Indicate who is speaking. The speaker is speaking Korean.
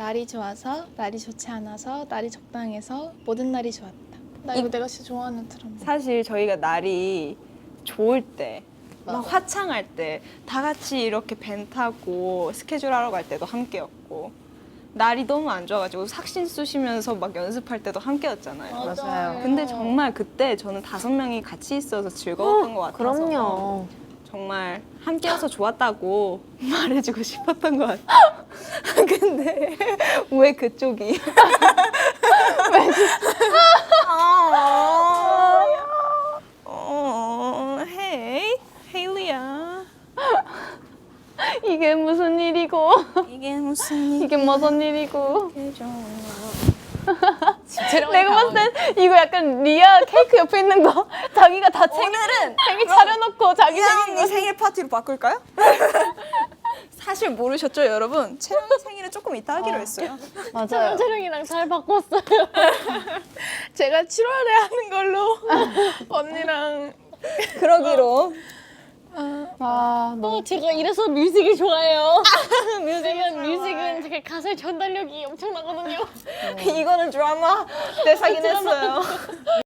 Speaker 1: 날이 좋아서, 날이 좋지 않아서, 날이 적당해서, 모든 날이 좋았다. 나 이거 내가 진짜 좋아하는 트럼.
Speaker 2: 사실 저희가 날이 좋을 때, 막 화창할 때 다 같이 이렇게 밴 타고 스케줄 하러 갈 때도 함께였고, 날이 너무 안 좋아가지고 삭신 쑤시면서 막 연습할 때도 함께였잖아요.
Speaker 3: 맞아요.
Speaker 2: 근데 정말 그때 저는 5명이 같이 있어서 즐거웠던 것 같아서
Speaker 3: 그럼요.
Speaker 2: 정말 함께여서 좋았다고 말해주고 싶었던 것 같아요. 근데 왜 그쪽이? 헤이, 헤일리야.
Speaker 3: 이게 무슨 일이고
Speaker 2: 이게 무슨
Speaker 3: 이게 무슨 일이고
Speaker 2: 일이죠?
Speaker 3: 내가 봤을 땐 이거 약간 리아 케이크 옆에 있는 거 자기가 다
Speaker 2: 오늘은
Speaker 3: 생일 차려놓고 자기
Speaker 2: 이아
Speaker 3: 생일
Speaker 2: 언니 생일 파티로 바꿀까요? 사실 모르셨죠, 여러분? 채령이 생일은 조금 이따 하기로 했어요.
Speaker 3: 맞아요.
Speaker 1: 촬영이랑 잘 바꿨어요. 제가 7월에 하는 걸로 언니랑
Speaker 2: 그러기로.
Speaker 3: 아,
Speaker 1: 제가 이래서 뮤직이 좋아해요. 뮤직은 되게 가사의 전달력이 엄청나거든요.
Speaker 2: 이거는 드라마 대사긴 했어요.